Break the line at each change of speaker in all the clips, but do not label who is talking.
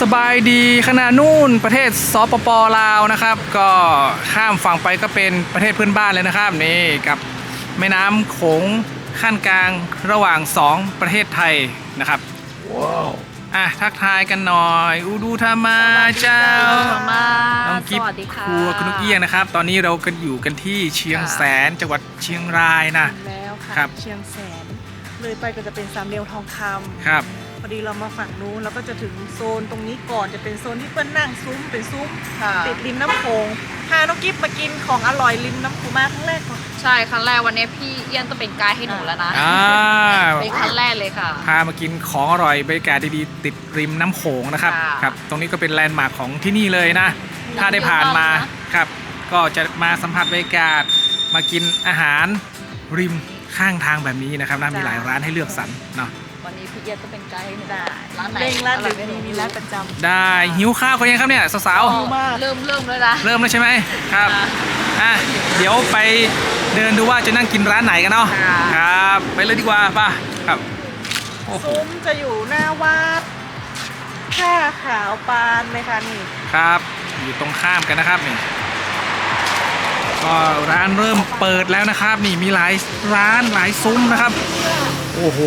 บายดีขณะนู่นประเทศสปป.ลาวนะครับก็ข้ามฝั่งไปก็เป็นประเทศเพื่อนบ้านเลยนะครับนี่กับแม่น้ำโขงขั้นกลางระหว่าง2ประเทศไทยนะครับว้าวทักทายกันหน่อยอูดูธรรมาเจ้าน้องกิ๊บครัวคุณนุกเอี้ยงนะครับตอนนี้เรากันอยู่กันที่เชียงแสนจังหวัดเชียงรายนะ
แล้วค่ะ
ครับ
เชียงแสนเลยไปก็จะเป็นสามเหลี่ยมทองคำ
ครับ
พอดีเรามาฝั่งนู้นเราก็จะถึงโซนตรงนี้ก่อนจะเป็นโซนที่เปิ้ลนั่งซุ้มเป็นซุ้มติดริมน้ำโขงพาน้องกิ๊บมากินของอร่อยริมน้ำโขงมาครั้งแรกก่อน
ใช่ครั้งแรกวันนี้พี่เอี้ยนต้องเป็นไกด์ให้หนูแล้วนะเป็นครั้งแรกเลยค่ะ
พามากินของอร่อยบรรยากาศดีๆติดริมน้ำโขงนะครับครับตรงนี้ก็เป็นแลนด์มาร์คของที่นี่เลยนะถ้าได้ผ่านมาครับก็จะมาสัมผัสบรรยากาศมากินอาหารริมข้างทางแบบนี้นะครับน่ามีหลายร้านให้เลือกสรรเนาะ
วันนี้พี่เอี้ยนต้องเป็นไกด์ให้หนู
ได้
ร้านไหน
เร่งร้านหรือมีร้านประจำ
ได้หิวข้าวกันยังครับเนี่ยสาว
ๆเริ่มแล้วนะ
เริ่มแล้วใช่ไหมครับเดี๋ยวไปเดินดูว่าจะนั่งกินร้านไหนกันเนาะครับไปเลยดีกว่าป่ะครับ
ซุ้มจะอยู่หน้าวัดท่าขาวปานเลยค่ะนี่
ครับอยู่ตรงข้ามกันนะครับนี่ก็ร้านเริ่มเปิดแล้วนะครับนี่มีหลายร้านหลายซุ้มนะครับโอ้โห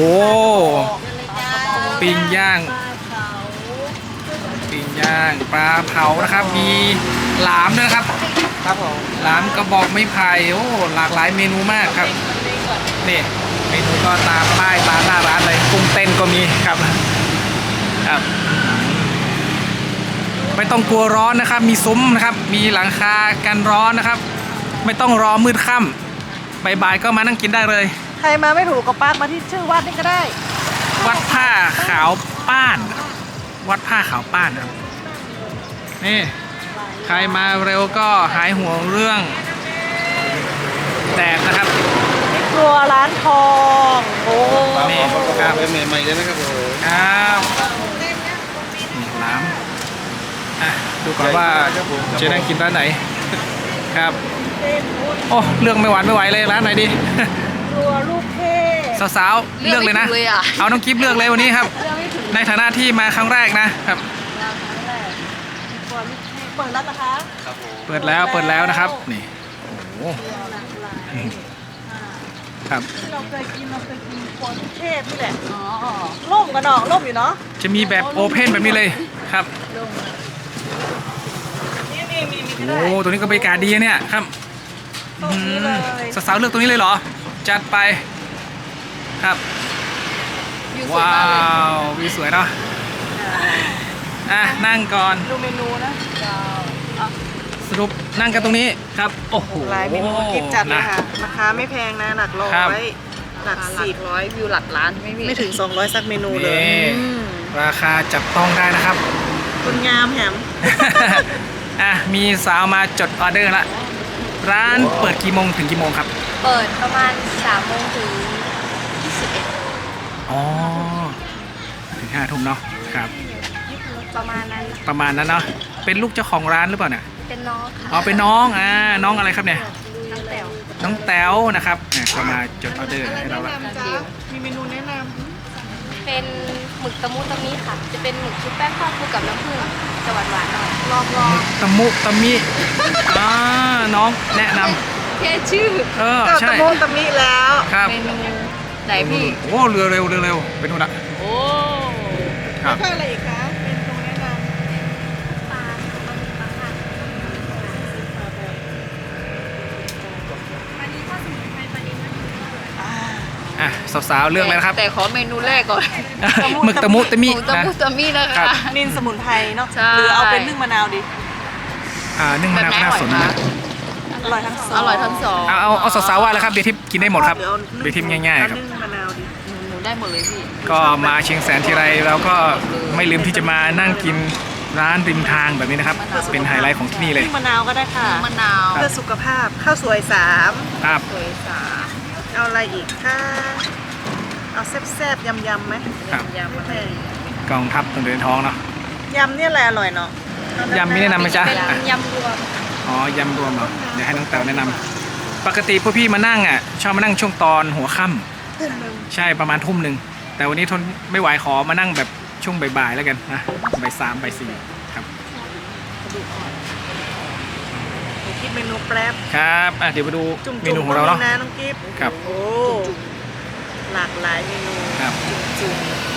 ปิ้งย่างปลาเผานะครับมีหลามด้วยนะครับครับผมหลามกระบอกไม้ไผ่โอ้หลากหลายเมนูมากครับนี่เมนูก็ตามป้ายตามหน้าร้านเลยกุ้งเต้นก็มีครับไม่ต้องกลัวร้อนนะครับมีซุ้มนะครับมีหลังคากันร้อนนะครับไม่ต้องรอมืดค่ำบ่ายๆก็มานั่งกินได้เลย
ใครมาไม่ถูกก็ปากมาที่ชื่อวัดนี่ก็ได้
วัดผ้าขาวป้านวัดผ้าขาวป้านครับนี่ใครมาเร็วก็หายห่วงเรื่องแดดนะครับ
ครัวร้านทองโอ้
นี่ครับ
เป็นใหม่ๆเลยนะครับผม
ครับน้ำดูก่อนว่าจะนั่งกินร้านไหนครับโอ้เลือกไม่หวานไม่ไหวเลยร้านไหนดี
ครัวลูกเทพ
สาวๆเลือกเลยนะเอาน้องกิ๊บเลือกเลยวันนี้ครับในฐานะที่มาครั้งแรกนะครับ
เปิดแล้วนะคะ
เปิดแล้วนะครับนี่โอ้ครับ
เราเคยกินครัวลูกเทพนี่แหละร่มกันหนองร่มอยู่เนาะ
จะมีแบบโอเพ่นแบบนี้เลยครับโอ้ตัวนี้ก็บรรยากาศดีเนี่ยครับสาวๆเลือกตัวนี้เลยเหรอจัดไปครับว้าววิวสวยเนาะนั่งก่อน
ดูเมนูนะ
สรุปนั่งกันตรงนี้ครับโอ้โห
หลายเมนูกินจัดเลยค่ะราคาไม่แพงนะหลักร้อยหลัก
10วิวหลักล้าน
ไม่ถึง200สักเมนูเลย
ราคาจับต้องได้นะครับ
คุณงามแหม
มีสาวมาจดออเดอร์ละร้านเปิดกี่โมงถึงกี่โมงครับ
เปิดประมาณ3 โมงถึง21อ๋อ
ถึง5 ทุ่มเนาะครับ
ประมาณนั้น
เนาะเป็นลูกเจ้าของร้านหรือเปล่าเนี่ย
เป็นน้องค่ะ
เป็นน้องน้องอะไรครับเนี่ย
น้องแต๋ว
นะครับก็มาจดออเดอร์ให้เราละ
มีเมนูแนะนำ
เป็นหมึกตะมุตะมิค่ะจะเป็นหมึกชุบแป้งทอดคู่กับน้ำผึ้งจะหวานๆหน่อยลอง
ตะมุตะมิน้องแนะน
ำแค่ชื่อ
ใช่
ตะมุตะมิแล้ว
ครับ
เมนูไหนพี่
โอ้เรือเร็วเป็นนู่นละ
โอ้
ครับ
อะไรอีกคะเป็นตรงแนะนำ
ปลาค่ะอันนี้ถ้าสมุนไพรปลาดิบ
สาวๆเรื่องอะไรนะครับ
แต่ขอเมนูแรกก่อน
หมึกตะมุตะมิ
นะคะ
นินสมุนไพรเนาะหรือเอาเป็นนึ่งมะนาวดิ
นึ่งมะนาวน่าสนนะ
อร่อยทั้ง
สอง
เอาสาวๆว่าแล้วครับเบียร์ทิพย์กินได้หมดครับเบียร์ทิพย์ง่ายๆครับ
นึ่งมะนาวดิ
หนูได้หมดเลยพี่
ก็มาเชียงแสนทีไรเราก็ไม่ลืมที่จะมานั่งกินร้านริมทางแบบนี้นะครับเป็นไฮไลท์ของที่นี่เลย
มะนาวก็ได้ค่ะ
มะนาว
เพื่อสุขภาพข้าวสวย3
ครับ
สวย3
เอาอะไรอีกค่ะเอาแซ่บๆยำไหม
ยำไม่แพง
กองทัพต้องเดินท้องเนาะ
ยำเนี่ยแหละอร่อยเนาะ
ยำมีแนะนำไหมจ๊ะ
เป็นยำรวม
ยำรวมเหรอเดี๋ยวให้น้องแต๋วแนะนำปกติพวกพี่มานั่งชอบมานั่งช่วงตอนหัวค่ำใช่ประมาณ1 ทุ่มแต่วันนี้ทนไม่ไหวขอมานั่งแบบช่วงบ่ายๆแล้วกันนะบ่าย3บ่าย4ครับ
กระดูกอ่อนหนูคิดเมนูแป๊บ
ครับเดี๋ยวมาดู
จุ่ม
เมนูของเราเนาะ
นะน้องกิฟต์
ครับ
โอ้หลากหลายเมนู
ครับ
จุ่ม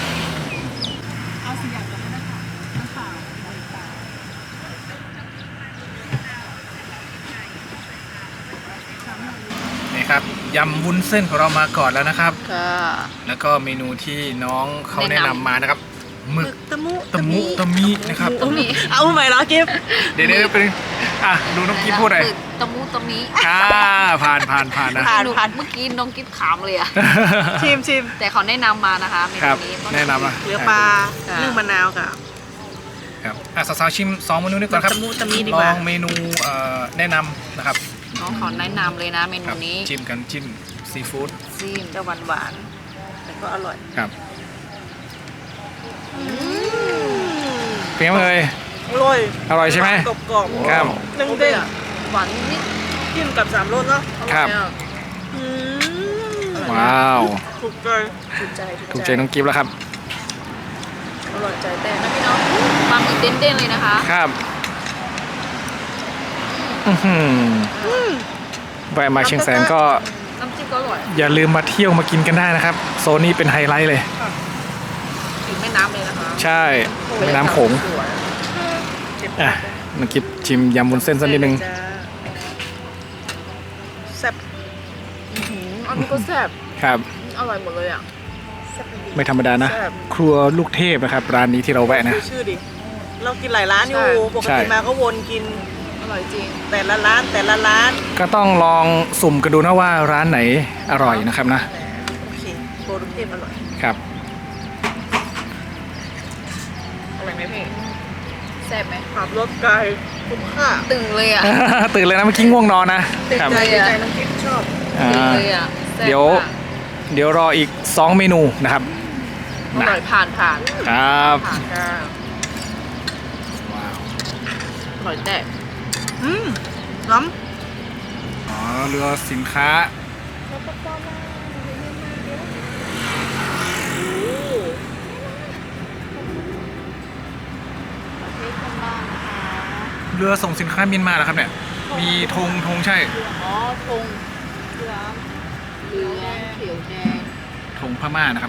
นี่ครับยำวุ้นเส้นของเรามาก่อนแล้วนะครับ
ค่ะ
แล้วก็เมนูที่น้องเขาแนะนำมานะครับหมึก
ตะมุ
ตะมุตะมินะครับ
เอาใหม่เหรอกิฟต์
เดี๋ยวเป็นดูน้องกิ๊บพูดหน่อย
ตะมูตะมิ
ผ่านนะ
ผ่าน
เมื่อกี้น้องกิ๊บขามเลยอะ
ชิม
แต่เขาแนะนำมานะคะเม
ค
นู
รับ
นี้
แนะนำนะ
เหลือปลานึ่งมะนาวกับ
ครับสาวๆชิม2เมนูนี้ก่อนครับ
ตะมุตะมิดี
ล
กว่า
องเมนูแนะนำนะครับ
น้องขอแนะนำเลยนะเม
ค
นู
รับ
นี้
จิ้มกันจิ้มซีฟู้ด
ซีม
จะหวานๆแต่ก็อร่อย
ครับเป็นยังไงเอ่ย
อร่อย
อร่อยใช่ไหม
กรอบๆ
ครับ
นึ่งเด้ง
หวานนิด
จิ้มกับสามรสเนาะ
ครับ
อืม
ว้าว
ถูกใจ
ถูกใจ
ถูกใจน้องกิ๊บแล้วครับ
อร่อยใจแตก
นะพี่น้องปลาหมึกเด้นๆเลยนะคะ
ครับแวะมาเชียงแสนก็
น้ำจิ้มก็อร่อย
อย่าลืมมาเที่ยวมากินกันได้นะครับ โซนนี้เป็นไฮไลท์เลย
ถึงแม่น้ำเลยนะคะ
ใช่แม่น้ำโขง
เจ็บ
อ่ะน้องกิ๊บชิมยำวุ้นเส้นสักนิดนึง
จ้าแซ่บ
อันนี้ก็แซ่บ
ครับ
อร่อยหมดเลยอ่ะ
แซ่บจริง
ไม่ธรรมดานะ ครัวลูกเทพนะครับ ร้านนี้ที่เราแวะนะ
ดูชื่อดิ เรากินหลายร้านอยู่
ใช่
ปก
ใช่
ติมาก็วนกิน
อร่อยจริง
แต่ละร้าน
ก็ต้องลองสุ่มกันดูนะว่าร้านไหนอร่อยนะครับนะ
โอเคโบลูกเทพอร่อย
ครับ
อร่อยไหมพี่แซ่บไหม
ขับรถไกลคุ้มค่า
ตึงเลยอ่ะ
ตื่นเลยนะเมื่อกี้ง่วงนอนนะ
ติด
ครับ
ใจติดใจน้องกิ๊ฟชอบ
อ่า
ตึงเลยอ่ะแซ่บ
เดี๋ยว
มาก
เดี๋ยวรออีก2เมนูนะครับ
อร่อยผ่าน
ครับ
ค่ะ
ว้าว
อร่อยแต่
น้
อ๋อเรือสินค้า เรือส่งสินค้าเมียนมาเหรอครับเนี่ย มีธงใช่
อ๋อธงเหลืองเขียวแดง
ธงพม่านะครับ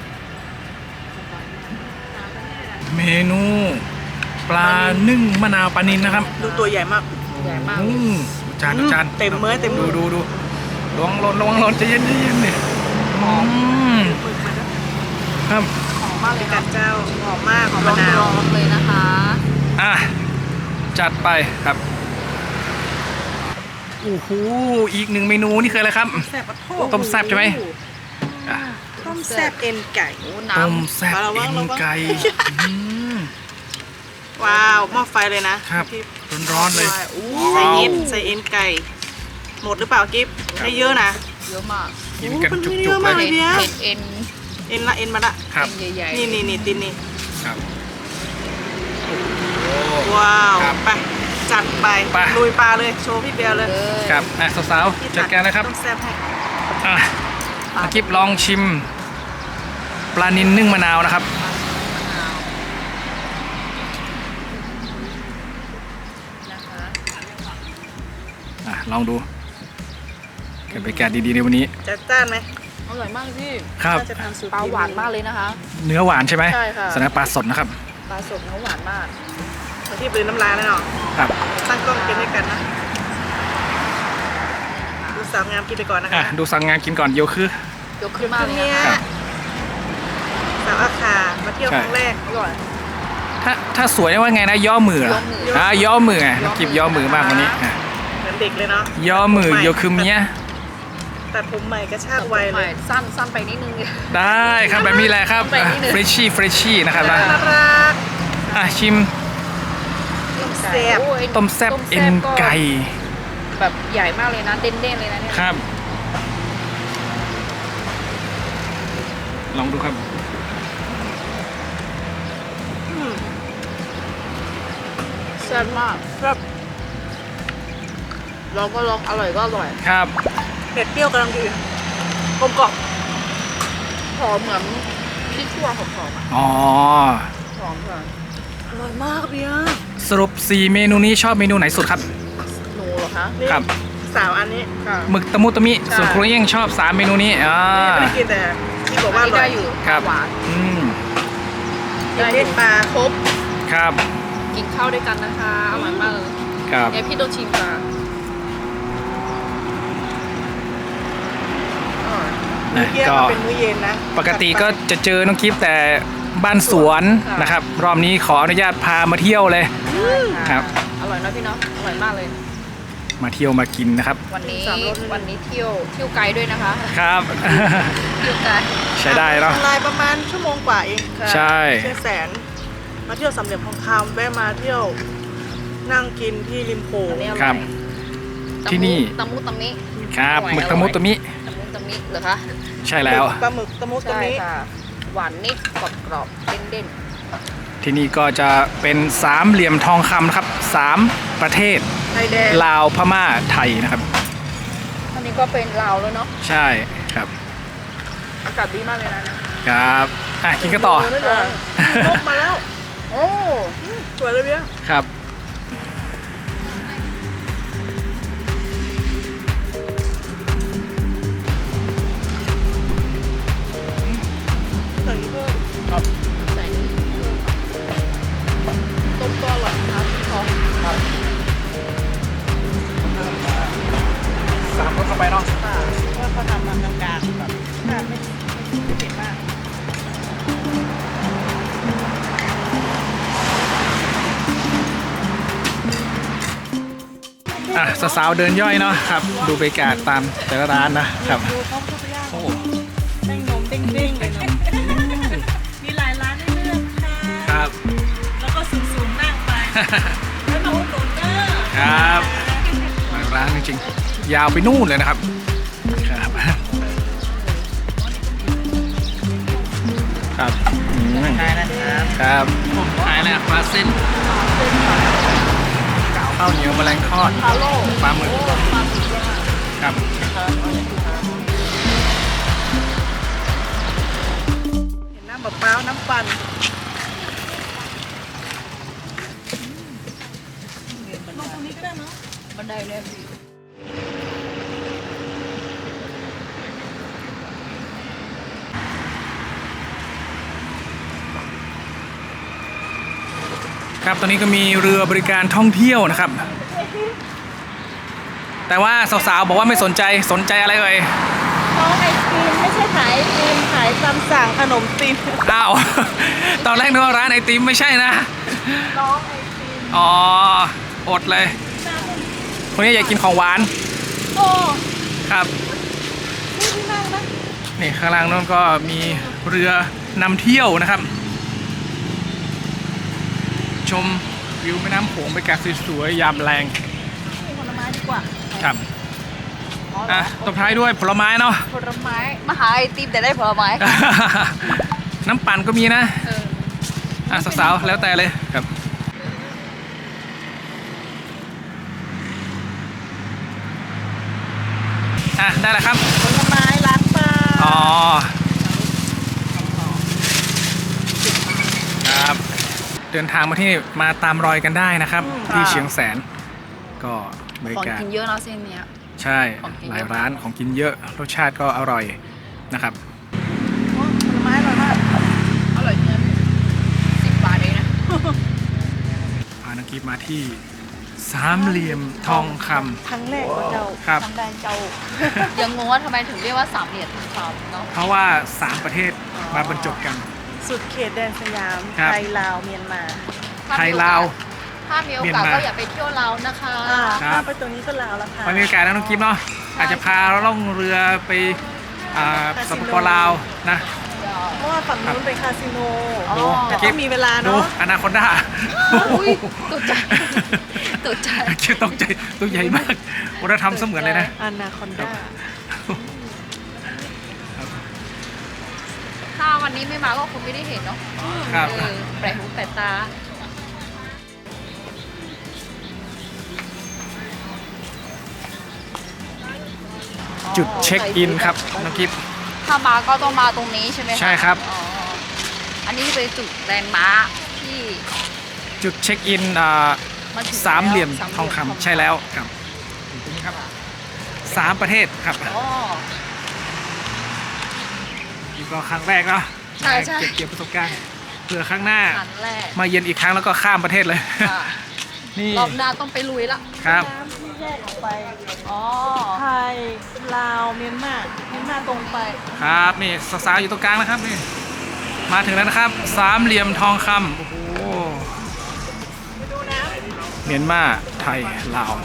เมนูปลานึ่งมะนาวปลานิลนะครับ
ำดูตัวใหญ่มาก
ใหญ่มาก
จาน
เต็มมื้อเต็มมื้อ
ดูระวังร้อนใจเย็นนี่หอมครับ
หอมมากเลย
กั
ค่ะ
ดเจ้าหอมมากหอม
ร้
มะนาว
อนๆเลยนะคะ
อ่ะจัดไปครับโอ้โหอีก1เมนูนี่คืออะไรครับ
แซ่บปะโถ
ต้มแซ่บใช่ไหมอ่ะ
ต้มแซ่บเอ็นไก่
โอ้
ต้ม
น้ำ
แซ่บ
ระวั
เอ็
ง
น
ระวัง
ไก่อืม
ว้าวหม้อไฟเลยนะครับ
ร้อนๆเลย
อู้
ใส่เอ็นไก่ หมดหรือเปล่ากิฟให้เยอะนะ
เยอะมาก
กินกัน
โอ้
จุ
มันเยอะ
กๆ
มาก
เล
เลย ย
เอ็น
เอ็นมาละ
ครับ
เอ็นใหญ่ๆ
นี่ตินนี่
ครับ
ว้าว
ครับ
ไปจัดไป
ไป
ลุยปลาเลยโชว์พี่เบลเลย
เลย
ครับอ่ะสาวๆจัดการนะครับ
ต้มแซ่บให้
อ่ะอากิบลองชิมปลานิลนึ่งมะนาวนะครับ
นะคะ
ลองดูเก็บบรรยากาศดีๆในวันนี้
จัดจ้านไหม
อร่อยมากพี่
ครับ
น่าจะทำสูตร
ปลาหวานมากเลยนะคะ
เนื้อหวานใช่ไหม
ใช่ค่ะ
แสดงปลาสดนะครับ
ปลาสดเนื้อหวานมาก
มาที่ปืนน้ำลายแล้วเนาะ
ครับ
ตั้งกล้องกินด้วยกันนะดูสาวงามกินไปก่อนนะ
อ่ะ
คะ
ดูสั่งงานกินก่อนเดี๋ยวคือย
กขึ้นมากเลย
เนี่
นะ
ย
คะ
ครับ
สาวอาคามาเที่ยว
ใช่
ครั้งแรก
อร่อย
ถ้าสวยว่าไงนะย่อมือเหรอย่อมือไงน้องกิบย่อมือมากวันนี้อ่ะ
เหมือนเด็กเลยเนาะ
ย่อมือโยคือเมีย
ตัดผมใหม่กระชากไวเลย
สั้นไปนิดนึง
ได้ครับแบบนี้แหละครับ
ไปนิดนึง
เฟรชชี่นะครับนะ
น่ารัก
ชิม
แซ่บ
โอ้ย
ต้มแซ่บเอ็นไก่
แบบใหญ่มากเลยนะเด้นๆเลยนะเนี่ย
ครับ ลองดูครับ
แซ่บมาก
ครับ
ลองก็ลองอร่อยก็อร่อย
ครับ
เผ็ดเปรี้ยวกำลังดีกลมกล่อม
หอมเหมือนพริกขั่ว
คั่วหอมๆอ่ะ
อ๋อ
หอมค่ะอร่อยมากเบียร์
สรุป 4 เมนูนี้ชอบเมนูไหนสุดครับ
หนูเหรอคะ
ครับ
สาวอันนี้ค่ะ
หมึกตะมุตะมิ
ใช่
ส่วนครัวเอี้ยงชอบ 3 เมนูนี้
ไม่ได้กินแต่ที่บอกว่าอร่อยอยู่
ครับ
หวาน
อืม
ได้เด็ดปลาครบ
ครับ
กินข้าวด้วยกันนะคะอร่อยมากเลย
ครับ
เดี๋ยวพี่ต้องชิมปลามื้อเย็นมันเป็นมื้อเย็นนะ
ปกติก็จะเจอน้องกิฟแต่บ้านสวน
ค่ะ
นะครับ รอบนี้ขออนุญาตพามาเที่ยวเลย ครับ
อร่อยนะพี่เนาะอร่อยมากเลย
มาเที่ยวมากินนะครับ
วันนี้
สามรส
วันนี้เที่ยวไกลด้วยนะคะ
ครับ
เที่ยวไกล
ใช้ได้เนาะ
ลายประมาณชั่วโมงกว่าเองค่ะ
ใช่
เชียงแสนมาเที่ยวสามเหลี่ยมทองคำแวะมาเที่ยวนั่งกินที่ริมโขง
อันนี้อ
ค
ร่
รั
อบ ย
ที่นี่
ตะมุตะมิ
ครับ
อร่อย
หมึกตะมุตะมิ
ตะมุตะมิเหรอคะ
ใช่แล้ว
ปลาหมึกตะมุตะ
ใช่
มิ
ค่ะ หวานนิดกรอบๆเด่น
ที่นี่ก็จะเป็นสามเหลี่ยมทองคำนะครับ3 ประเทศ
ไทยแดง
ลาวพม่าไทยนะครับ
ๆอันนี้ก็เป็นลาวแล้วเนาะ
ใช่ครับ
อากาศดีมากเลยนะครับ
กินกันต่อ
ไม่ร้อนนกมาแล้ว
โอ้
สวยเลยเบี้ย
ครับ
ใส่นี้เพิ่ม
ใส่นี่เพิ่มต้มก็อร่อยนะคะพี่ทอง
สามรสเข้าไปเนาะ
ค่ะว่าเขาทำมากลางๆแบบไม่เผ็ดมาก
สาวๆเดินย่อยเนาะครับ ดูบรรยากาศตามแต่ละร้านนะครับ
ดูเขาเข้าไปย่าง
โอ้
เด้งนมเด้งๆเลยเนอะมีหลายร้านให้เลือกค่ะ
ครับ
แล้วก็สูงๆนั่งไปแล้วมาอุดหนุนเด้อ
ครับหลายร้านจริงๆ ยาวไปนู่นเลยนะครับ ครับ ครับใช่นะครับครับผมขายแล้วปลาเส้นข้าวเหนียวแมลงทอด
ฮาโล
ปลาหมึกครับ
เห็นน้ำมะพร้าวน้ำปั่นลงตรงนี้ก็ได้เนาะ
บันไดเนี่ย
ครับตอนนี้ก็มีเรือบริการท่องเที่ยวนะครับ แต่ว่าสาวๆบอกว่าไม่สนใจอะไรเอ่ย
น้องไอติมไม่ใช่ขายไอติมขายตามสั่งขนมติม
อ้าว ตอนแรกนึกว่าร้านไอติมไม่ใช่นะ
น้องไอติม
อ๋อ อดเลย คนนี้อยากกินของหวาน
โอ้
ครับ
นี่ที่นั่งนะ
นี่ข้างล่างนู้นก็มีเรือนำเที่ยวนะครับ ชมวิวแม่น้ำโขงบรรยากาศสวยๆยามแรง
นี่ผลไม้ดีกว่า
ครับตบท้ายด้วยผลไม้เนาะ
ผลไม้มาหาไอติมแต่ได้ผลไม้ค่ะ
น้ำปั่นก็มีนะ
เออ
สาวๆแล้วแต่เลยครับได้แล้วครับ
ผลไม้ล้างปลา
อ๋อครับเดินทางมาที่มาตามรอยกันได้นะครับ ที่เชียงแสน ก็บรร
ของ
ยากาศ
กินเยอะเนาะเส้นเนี้ย
ใช่
ของกิน
ห
เย
ลาย
อะ
ร้านของกินเยอะรสชาติก็อร่อยนะครับ
ผลไม้อร่อยมาก
อร่อยเนื้อ10 บาทเองนะ
พานักกีฬาที่สามเหลี่ยมทองค
ครั้งแรกของเรา
ำครับ
ทำแดงเจ้า ยังงงว่าทำไมถึงเรียกว่าสามเหลี่ยมทองคำเนาะ
เพราะว่า 3 ประเทศมาบรรจบกัน
สุดเขตแดนสยาม
ครับ
ไทยลาวเมียนมา
ไทยลาว
ถ้ามีโอ
เมียน
กาส
มา
ก็อย่าไปเที่ยวลาวนะคะ
ครับ
ข้ามไปตรงนี้ก็ลาวแล้วค่ะ
ไปมีโอกาสนะน้องกิฟเนาะอาจจะพาล่องเรือไปสปปลาวนะ
เพราะว่าฝั่งนู้นเป็นคาสิโน
อ๋อ
แต่ต้องมีเวลา
ดู
เนาะ
อนาคอนด้า
อุ้ยตกใจตกใจ
คิดตกใจตัวใหญ่มากวัฒนธรรมเสมือนเลยนะ
อนาคอนด้า
ถ้าวันนี้ไม่มาก็คงไม่ได้เห็นเนาะ
ครับ
แปลกหูแปลกตา
จุดเช็คอินครับน้องกิฟ
ถ้ามาก็ต้องมาตรงนี้ใช่ไหมะ
ใช่ครับ
อ๋อ
อันนี้เป็นจุดแลนด์มาร์คที่
จุดเช็คอิน
มาถึง
สามเหลี่ยม
แล้ว
ทองคำใช่แล้วครับอยู่ตรงนี้ครับ3 ประเทศครับ
อ๋อ
นี่ก็ครั้งแรกเนาะ
ใช่ใช่
เก็บประสบการณ์เผื่อครั้งหน้า
ครั้งแรก
มาเย็นอีกครั้งแล้วก็ข้ามประเทศเลย
ค่ะ
นี่
รอบหน้าต้องไปลุยละ
ครับ
น้ำที่แยกออกไป
อ๋อ
ไทยลาวเมียนมาตรงไป
ครับนี่สาวๆอยู่ตรงกลางนะครับนี่มาถึงแล้วนะครับ3 เหลี่ยมทองคำโอ้โห
ไปดูน้
เมียนมาไทยลาว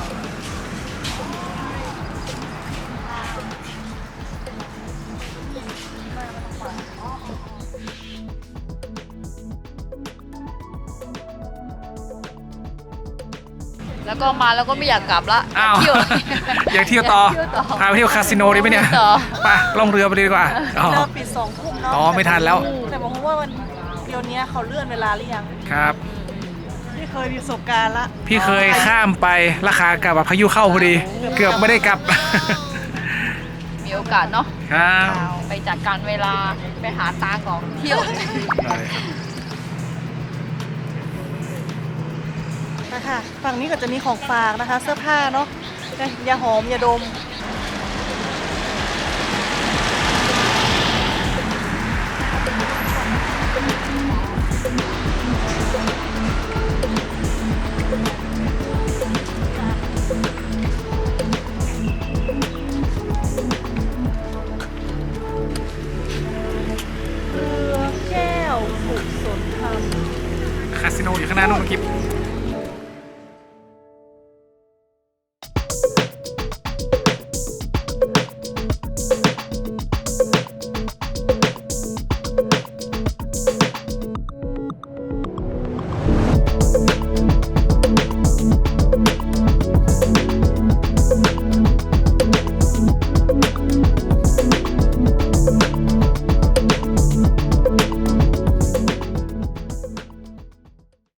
แล้วก็มาแล้วก็ไม่อยากกลับละ
อ้าว
เที่ยว
อยากเที่ยวต่อ
อยากเที่ยวต่อ
พาไปเที่ยวคาสิโนดีไหมเนี่ย
ต่อ
ไปล่องเรือไปเลยดีกว่าอ๋อ
ำเริ่มปิด2 ทุ่มเนาะ
อ๋อไม่ทันแล้ว
แต่บอกว่าวันเดี๋ยวนี้เขาเลื่อนเวลาหรือยัง
ครับ
พี่เคยมีประสบการณ์ละ
พี่เคยข้ามไปราคากลับแบบพายุเข้าพอดี เกือบไม่ได้กลับ
มีโอกาสเนาะ
ครับ
ไปจัดการเวลาไปหาตาก่อนเที่ยว
นะคะฝั่งนี้ก็จะมีของฝากนะคะ เสื้อผ้าเนาะยาหอมยาดม เรือแก้วสุขสนธรรม
คาสิโนอยู่ข้างหน้านู่นเมื่อกี้